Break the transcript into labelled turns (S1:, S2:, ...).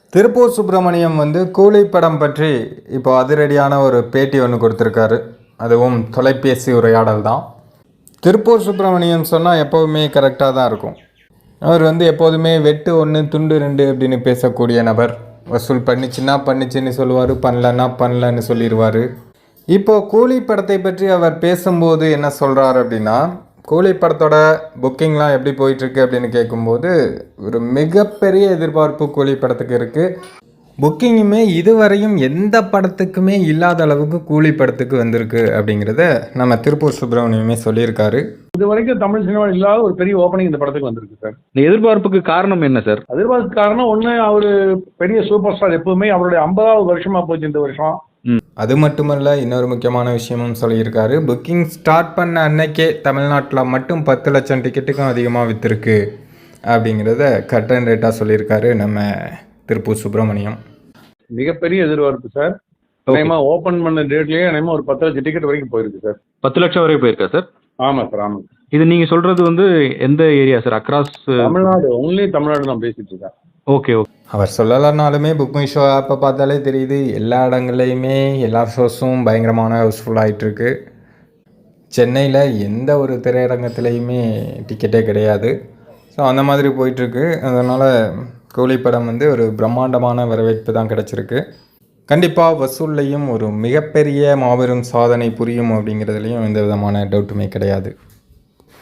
S1: திருப்பூர் சுப்பிரமணியம் வந்து கூலி படம் பற்றி இப்போ அதிரடியான ஒரு பேட்டி ஒன்று கொடுத்துருக்காரு. அதுவும் தொலைபேசி உரையாடல் தான். திருப்பூர் சுப்பிரமணியம் சொன்னால் எப்போவுமே கரெக்டாக தான் இருக்கும். அவர் வந்து எப்போதுமே வெட்டு 1 துண்டு 2 அப்படின்னு பேசக்கூடிய நபர். வசூல் பண்ணிச்சுன்னு சொல்லுவார், பண்ணலன்னா பண்ணலன்னு சொல்லிடுவார். இப்போது கூலி படத்தை பற்றி அவர் பேசும்போது என்ன சொல்கிறார் அப்படின்னா, கூலி படத்தோட புக்கிங்லாம் எப்படி போயிட்டுருக்கு அப்படின்னு கேட்கும்போது ஒரு மிகப்பெரிய எதிர்பார்ப்பு கூலி படத்துக்கு இருக்குது. புக்கிங்குமே இதுவரையும் எந்த படத்துக்குமே இல்லாத அளவுக்கு கூலி படத்துக்கு வந்திருக்கு அப்படிங்கிறத நம்ம திருப்பூர் சுப்பிரமணியமே சொல்லியிருக்காரு.
S2: இது வரைக்கும் தமிழ் சினிமா இல்லாத ஒரு பெரிய ஓப்பனிங் இந்த படத்துக்கு வந்திருக்கு சார்.
S3: இந்த எதிர்பார்ப்புக்கு காரணம் என்ன சார்?
S2: எதிர்பார்ப்பு காரணம் ஒன்று, அவர் பெரிய சூப்பர் ஸ்டார். எப்பவுமே அவருடைய 50வது வருஷமா போச்சு இந்த வருஷம்.
S1: அது மட்டுமல்ல, இன்னொரு முக்கியமான விஷயமும் சொல்லியிருக்காரு. புக்கிங் ஸ்டார்ட் பண்ண அன்னைக்கே தமிழ்நாட்டில் மட்டும் 10 லட்சம் டிக்கெட்டுக்கும் அதிகமாக விற்றுருக்கு அப்படிங்கிறத கட் அண்ட் ரேட்டாக சொல்லியிருக்காரு நம்ம திருப்பூர் சுப்பிரமணியம்.
S2: மிகப்பெரிய எதிர்பார்ப்பு சார். ஓப்பன் பண்ண டேட்லயே ஒரு 10 லட்சம் டிக்கெட் வரைக்கும் போயிருக்கு சார்.
S3: 10 லட்சம் வரை போயிருக்கா சார்?
S2: ஆமாம் சார், ஆமாம்.
S3: இது நீங்க சொல்றது வந்து எந்த area sir? Across
S2: Tamil Nadu, only Tamil Nadu தான் பேசிட்டு இருக்கேன்.
S3: Okay okay.
S1: அவர் சொல்லலைனாலுமே புக்கிங் ஷோ ஆப்பை பார்த்தாலே தெரியுது, எல்லா இடங்கள்லையுமே எல்லா ஷோஸும் பயங்கரமான ஹவுஸ்ஃபுல் ஆகிட்டுருக்கு. சென்னையில் எந்த ஒரு திரையரங்கத்துலேயுமே டிக்கெட்டே கிடையாது. ஸோ அந்த மாதிரி போயிட்டுருக்கு. அதனால் கூலி படம் வந்து ஒரு பிரம்மாண்டமான வரவேற்பு தான் கிடச்சிருக்கு. கண்டிப்பாக வசூல்லையும் ஒரு மிகப்பெரிய மாபெரும் சாதனை புரியும் அப்படிங்கிறதுலையும் எந்த விதமான டவுட்டுமே கிடையாது.